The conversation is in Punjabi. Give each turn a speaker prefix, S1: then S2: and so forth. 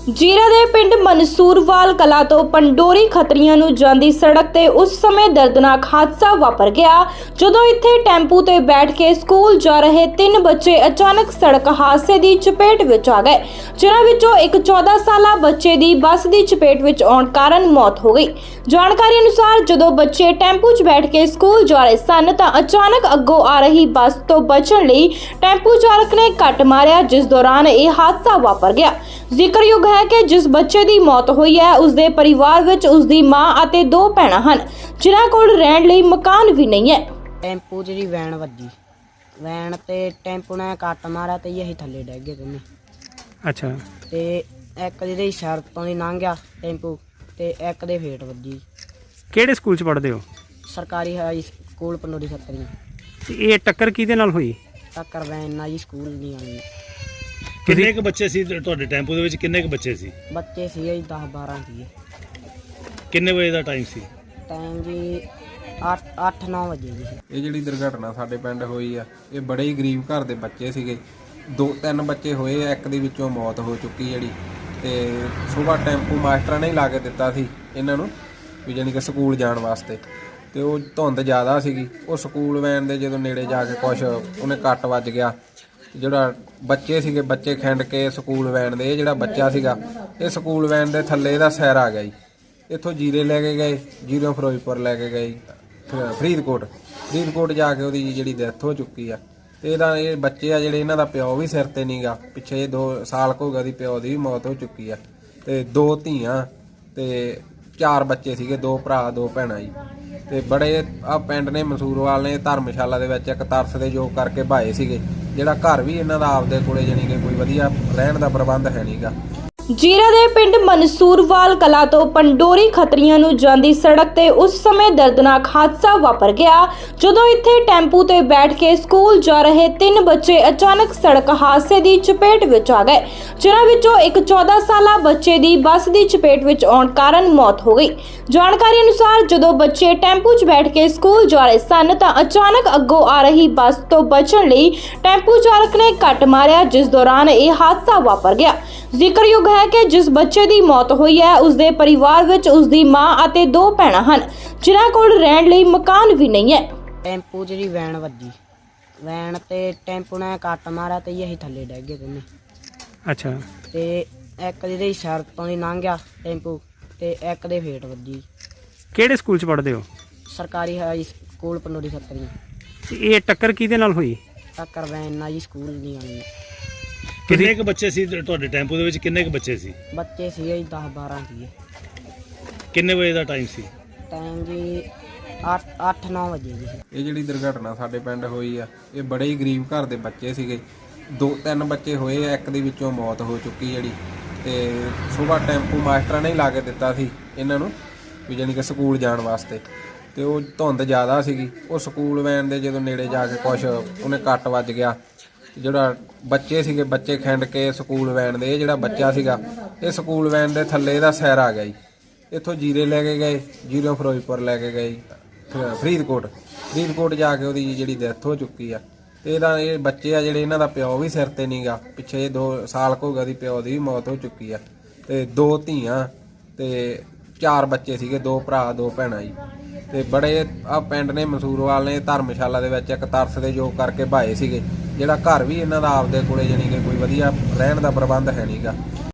S1: ਜੀਰਾ ਦੇ ਪਿੰਡ ਮਨਸੂਰਵਾਲ ਕਲਾ ਤੋਂ ਪੰਡੋਰੀ ਖੱਤਰੀਆਂ ਨੂੰ ਜਾਂਦੀ ਸੜਕ ਤੇ ਉਸ ਸਮੇਂ ਦਰਦਨਾਕ ਹਾਦਸਾ ਵਾਪਰ ਗਿਆ ਜਦੋਂ ਇੱਥੇ ਟੈਂਪੂ ਤੇ ਬੈਠ ਕੇ ਸਕੂਲ ਜਾ ਰਹੇ 3 ਬੱਚੇ ਅਚਾਨਕ ਸੜਕ ਹਾਦਸੇ ਦੀ ਚਪੇਟ ਵਿੱਚ ਆ ਗਏ, ਜਿਨ੍ਹਾਂ ਵਿੱਚੋਂ ਇੱਕ 14 ਸਾਲਾ ਬੱਚੇ ਦੀ ਬੱਸ ਦੀ ਚਪੇਟ ਵਿੱਚ ਆਉਣ ਕਾਰਨ ਮੌਤ ਹੋ ਗਈ। ਜਾਣਕਾਰੀ ਅਨੁਸਾਰ ਜਦੋਂ ਬੱਚੇ ਟੈਂਪੂ 'ਚ ਬੈਠ ਕੇ ਸਕੂਲ ਜਾ ਰਹੇ ਸਨ ਤਾਂ ਅਚਾਨਕ ਅੱਗੋਂ ਆ ਰਹੀ ਬੱਸ ਤੋਂ ਬਚਣ ਲਈ ਟੈਂਪੂ ਚਾਲਕ ਨੇ ਕੱਟ ਮਾਰਿਆ, ਜਿਸ ਦੌਰਾਨ ਇਹ ਹਾਦਸਾ ਵਾਪਰ ਗਿਆ। ਜ਼ਿਕਰਯੋਗ ਹੈ ਕਿ ਜਿਸ ਬੱਚੇ ਦੀ ਮੌਤ ਹੋਈ ਹੈ ਉਸ ਦੇ ਪਰਿਵਾਰ ਵਿੱਚ ਉਸ ਦੀ ਮਾਂ ਅਤੇ 2 ਭੈਣਾਂ ਹਨ, ਜਿਨ੍ਹਾਂ ਕੋਲ ਰਹਿਣ ਲਈ ਮਕਾਨ ਵੀ ਨਹੀਂ ਹੈ।
S2: ਟੈਂਪੂ 'ਚ ਜੀ ਵੈਨ ਵੱਜੀ, ਵੈਨ ਤੇ ਟੈਂਪੂ ਨੇ ਕੱਟ ਮਾਰਿਆ ਤੇ ਅਸੀਂ ਥੱਲੇ ਡਿੱਗ ਗਏ ਦੋਨੇ।
S3: ਅੱਛਾ।
S2: ਤੇ ਇੱਕ ਜਿਹਦੀ ਸੜਕ ਤੋਂ ਦੀ ਲੰਘ ਗਿਆ ਟੈਂਪੂ ਤੇ ਇੱਕ ਦੇ ਫੇਟ ਵੱਜੀ।
S3: ਕਿਹੜੇ ਸਕੂਲ 'ਚ ਪੜ੍ਹਦੇ ਹੋ?
S2: ਸਰਕਾਰੀ ਹਾਈ ਸਕੂਲ ਪੰਡੋਰੀ ਖੱਤਰੀਆਂ।
S3: ਤੇ ਇਹ ਟੱਕਰ ਕਿਹਦੇ ਨਾਲ ਹੋਈ?
S2: ਟੱਕਰ ਵੈਨ ਨਾਲ ਜੀ, ਸਕੂਲ ਨਹੀਂ ਆਉਣੀ।
S4: ਕਿੰਨੇ ਕੁ ਬੱਚੇ ਸੀ ਤੁਹਾਡੇ ਟੈਂਪੂ ਦੇ ਵਿੱਚ? ਕਿੰਨੇ ਕੁ ਬੱਚੇ ਸੀ?
S2: ਬੱਚੇ ਸੀ ਜੀ 10-12 ਸੀ।
S4: ਕਿੰਨੇ ਵਜੇ ਦਾ ਟਾਈਮ ਸੀ?
S2: ਟਾਈਮ ਜੀ 8-9 ਵਜੇ ਜੀ।
S5: ਇਹ ਜਿਹੜੀ ਦੁਰਘਟਨਾ ਸਾਡੇ ਪਿੰਡ ਹੋਈ ਆ, ਇਹ ਬੜੇ ਹੀ ਗਰੀਬ ਘਰ ਦੇ ਬੱਚੇ ਸੀਗੇ। 2-3 ਬੱਚੇ ਹੋਏ ਆ, ਇੱਕ ਦੇ ਵਿੱਚੋਂ ਮੌਤ ਹੋ ਚੁੱਕੀ ਜਿਹੜੀ। ਤੇ ਸੁਬਾਹ ਟੈਂਪੂ ਮਾਸਟਰਾਂ ਨੇ ਹੀ ਲਾ ਕੇ ਦਿੱਤਾ ਸੀ ਇਹਨਾਂ ਨੂੰ ਵੀ ਜਾਣੀ ਕਿ ਸਕੂਲ ਜਾਣ ਵਾਸਤੇ। ਤੇ ਉਹ ਧੁੰਦ ਜ਼ਿਆਦਾ ਸੀਗੀ, ਉਹ ਸਕੂਲ ਵੈਨ ਦੇ ਜਦੋਂ ਨੇੜੇ ਜਾ ਕੇ ਕੁਛ ਉਹਨੇ ਕੱਟ ਵੱਜ ਗਿਆ। ਜਿਹੜਾ ਬੱਚੇ ਸੀਗੇ, ਬੱਚੇ ਖਿੰਡ ਕੇ ਸਕੂਲ ਵੈਨ ਦੇ, ਇਹ ਜਿਹੜਾ ਬੱਚਾ ਸੀਗਾ ਇਹ ਸਕੂਲ ਵੈਨ ਦੇ ਥੱਲੇ ਇਹਦਾ ਸੈਰ ਆ ਗਿਆ ਜੀ। ਇੱਥੋਂ ਜੀਰੇ ਲੈ ਕੇ ਗਏ, ਜੀਰੋਂ ਫਿਰੋਜ਼ਪੁਰ ਲੈ ਕੇ ਗਏ ਫਰੀਦਕੋਟ ਜਾ ਕੇ ਉਹਦੀ ਜਿਹੜੀ ਡੈਥ ਹੋ ਚੁੱਕੀ ਆ। ਤੇ ਇਹਦਾ ਇਹ ਬੱਚੇ ਆ ਜਿਹੜੇ, ਇਹਨਾਂ ਦਾ ਪਿਓ ਵੀ ਸਿਰ ਤੇ ਨਹੀਂਗਾ, ਪਿੱਛੇ 2 ਸਾਲ ਹੋ ਗਿਆ ਦੀ ਪਿਓ ਦੀ ਵੀ ਮੌਤ ਹੋ ਚੁੱਕੀ ਆ। ਤੇ 2 ਧੀਆਂ ਤੇ 4 ਬੱਚੇ ਸੀਗੇ, 2 ਭਰਾ 2 ਭੈਣਾਂ ਜੀ। ਤੇ ਬੜੇ ਆ ਪਿੰਡ ਨੇ ਮਨਸੂਰਵਾਲ ਨੇ ਧਰਮਸ਼ਾਲਾ ਦੇ ਵਿੱਚ ਇੱਕ ਤਰਸ ਦੇ ਯੋਗ ਕਰਕੇ ਭਾਏ ਸੀਗੇ, ਜਿਹੜਾ ਘਰ ਵੀ ਇਹਨਾਂ ਦਾ ਆਪਦੇ ਕੋਲੇ ਜਾਣੀ ਕਿ ਕੋਈ ਵਧੀਆ ਰਹਿਣ ਦਾ ਪ੍ਰਬੰਧ ਹੈ ਨਹੀਂਗਾ।
S1: ਜੀਰਾ ਦੇ ਪਿੰਡ ਮਨਸੂਰਵਾਲ ਕਲਾ ਤੋਂ ਪੰਡੋਰੀ ਖੱਤਰੀਆਂ ਨੂੰ ਜਾਂਦੀ ਸੜਕ ਤੇ ਉਸ ਸਮੇਂ ਦਰਦਨਾਕ ਹਾਦਸਾ ਵਾਪਰ ਗਿਆ ਜਦੋਂ ਇੱਥੇ ਟੈਂਪੂ ਤੇ ਬੈਠ ਕੇ ਸਕੂਲ ਜਾ ਰਹੇ 3 ਬੱਚੇ ਅਚਾਨਕ ਸੜਕ ਹਾਦਸੇ ਦੀ ਚਪੇਟ ਵਿੱਚ ਆ ਗਏ, ਜਿਨ੍ਹਾਂ ਵਿੱਚੋਂ ਇੱਕ 14 ਸਾਲਾ ਬੱਚੇ ਦੀ ਬੱਸ ਦੀ ਚਪੇਟ ਵਿੱਚ ਆਉਣ ਕਾਰਨ ਮੌਤ ਹੋ ਗਈ। ਜਾਣਕਾਰੀ ਅਨੁਸਾਰ ਜਦੋਂ ਬੱਚੇ ਟੈਂਪੂ 'ਚ ਬੈਠ ਕੇ ਸਕੂਲ ਜਾ ਰਹੇ ਸਨ ਤਾਂ ਅਚਾਨਕ ਅੱਗੋਂ ਆ ਰਹੀ ਬੱਸ ਤੋਂ ਬਚਣ ਲਈ ਟੈਂਪੂ ਚਾਲਕ ਨੇ ਕੱਟ ਮਾਰਿਆ, ਜਿਸ ਦੌਰਾਨ ਇਹ ਹਾਦਸਾ ਵਾਪਰ ਗਿਆ। ਜ਼ਿਕਰਯੋਗ ਹੈ ਕਿ ਜਿਸ ਬੱਚੇ ਦੀ ਮੌਤ ਹੋਈ ਹੈ ਉਸ ਦੇ ਪਰਿਵਾਰ ਵਿੱਚ ਉਸ ਦੀ ਮਾਂ ਅਤੇ 2 ਭੈਣਾਂ ਹਨ, ਜਿਨ੍ਹਾਂ ਕੋਲ ਰਹਿਣ ਲਈ ਮਕਾਨ ਵੀ ਨਹੀਂ ਹੈ।
S2: ਟੈਂਪੂ 'ਚ ਜੀ ਵੈਨ ਵੱਜੀ, ਵੈਨ ਤੇ ਟੈਂਪੂ ਨੇ ਕੱਟ ਮਾਰਿਆ ਤੇ ਅਸੀਂ ਥੱਲੇ ਡਿੱਗ ਗਏ ਦੋਨੇ।
S3: ਅੱਛਾ।
S2: ਤੇ ਇੱਕ ਜਿਹਦੀ ਸੜਕ ਤੋਂ ਦੀ ਲੰਘ ਗਿਆ ਟੈਂਪੂ ਤੇ ਇੱਕ ਦੇ ਫੇਟ ਵੱਜੀ।
S3: ਕਿਹੜੇ ਸਕੂਲ 'ਚ ਪੜ੍ਹਦੇ ਹੋ?
S2: ਸਰਕਾਰੀ ਹਾਈ ਸਕੂਲ ਪੰਡੋਰੀ ਖੱਤਰੀਆਂ।
S3: ਤੇ ਇਹ ਟੱਕਰ ਕਿਹਦੇ ਨਾਲ ਹੋਈ?
S2: ਟੱਕਰ ਵੈਨ ਨਾਲ ਜੀ, ਸਕੂਲ ਨਹੀਂ ਆਉਣੀ।
S4: ਕਿੰਨੇ ਕੁ ਬੱਚੇ ਸੀ ਤੁਹਾਡੇ ਟੈਂਪੂ ਦੇ ਵਿੱਚ? ਕਿੰਨੇ ਕੁ ਬੱਚੇ ਸੀ?
S2: ਬੱਚੇ ਸੀ ਜੀ 10-12 ਸੀ।
S4: ਕਿੰਨੇ ਵਜੇ ਦਾ ਟਾਈਮ ਸੀ?
S2: ਟਾਈਮ ਜੀ 8-9 ਵਜੇ ਜੀ।
S5: ਇਹ ਜਿਹੜੀ ਦੁਰਘਟਨਾ ਸਾਡੇ ਪਿੰਡ ਹੋਈ ਆ, ਇਹ ਬੜੇ ਹੀ ਗਰੀਬ ਘਰ ਦੇ ਬੱਚੇ ਸੀਗੇ। 2-3 ਬੱਚੇ ਹੋਏ ਆ, ਇੱਕ ਦੇ ਵਿੱਚੋਂ ਮੌਤ ਹੋ ਚੁੱਕੀ ਜਿਹੜੀ। ਤੇ ਸੁਬਾਹ ਟੈਂਪੂ ਮਾਸਟਰਾਂ ਨੇ ਹੀ ਲਾ ਕੇ ਦਿੱਤਾ ਸੀ ਇਹਨਾਂ ਨੂੰ ਵੀ ਜਾਣੀ ਕਿ ਸਕੂਲ ਜਾਣ ਵਾਸਤੇ। ਤੇ ਉਹ ਧੁੰਦ ਜ਼ਿਆਦਾ ਸੀਗੀ, ਉਹ ਸਕੂਲ ਵੈਨ ਦੇ ਜਦੋਂ ਨੇੜੇ ਜਾ ਕੇ ਕੁਛ ਉਹਨੇ ਕੱਟ ਵੱਜ ਗਿਆ। ਜਿਹੜਾ ਬੱਚੇ ਸੀਗੇ, ਬੱਚੇ ਖਿੰਡ ਕੇ ਸਕੂਲ ਵੈਨ ਦੇ, ਇਹ ਜਿਹੜਾ ਬੱਚਾ ਸੀਗਾ ਇਹ ਸਕੂਲ ਵੈਨ ਦੇ ਥੱਲੇ ਇਹਦਾ ਸੈਰ ਆ ਗਿਆ ਜੀ। ਇੱਥੋਂ ਜੀਰੇ ਲੈ ਕੇ ਗਏ, ਜੀਰੋਂ ਫਿਰੋਜ਼ਪੁਰ ਲੈ ਕੇ ਗਏ ਫਰੀਦਕੋਟ ਜਾ ਕੇ ਉਹਦੀ ਜਿਹੜੀ ਡੈਥ ਹੋ ਚੁੱਕੀ ਆ। ਤੇ ਇਹਦਾ ਇਹ ਬੱਚੇ ਆ ਜਿਹੜੇ, ਇਹਨਾਂ ਦਾ ਪਿਓ ਵੀ ਸਿਰ ਤੇ ਨਹੀਂਗਾ, ਪਿੱਛੇ 2 ਸਾਲ ਹੋ ਗਿਆ ਦੀ ਪਿਓ ਦੀ ਵੀ ਮੌਤ ਹੋ ਚੁੱਕੀ ਆ। ਤੇ 2 ਧੀਆਂ ਤੇ 4 ਬੱਚੇ ਸੀਗੇ, 2 ਭਰਾ 2 ਭੈਣਾਂ ਜੀ। ਤੇ ਬੜੇ ਆ ਪਿੰਡ ਨੇ ਮਨਸੂਰਵਾਲ ਨੇ ਧਰਮਸ਼ਾਲਾ ਦੇ ਵਿੱਚ ਇੱਕ ਤਰਸ ਦੇ ਯੋਗ ਕਰਕੇ ਭਾਏ ਸੀਗੇ, ਜਿਹੜਾ ਘਰ ਵੀ ਇਹਨਾਂ ਦਾ ਆਪਦੇ ਕੋਲੇ ਜਾਣੀ ਕਿ ਕੋਈ ਵਧੀਆ ਰਹਿਣ ਦਾ ਪ੍ਰਬੰਧ ਹੈ ਨਹੀਂਗਾ।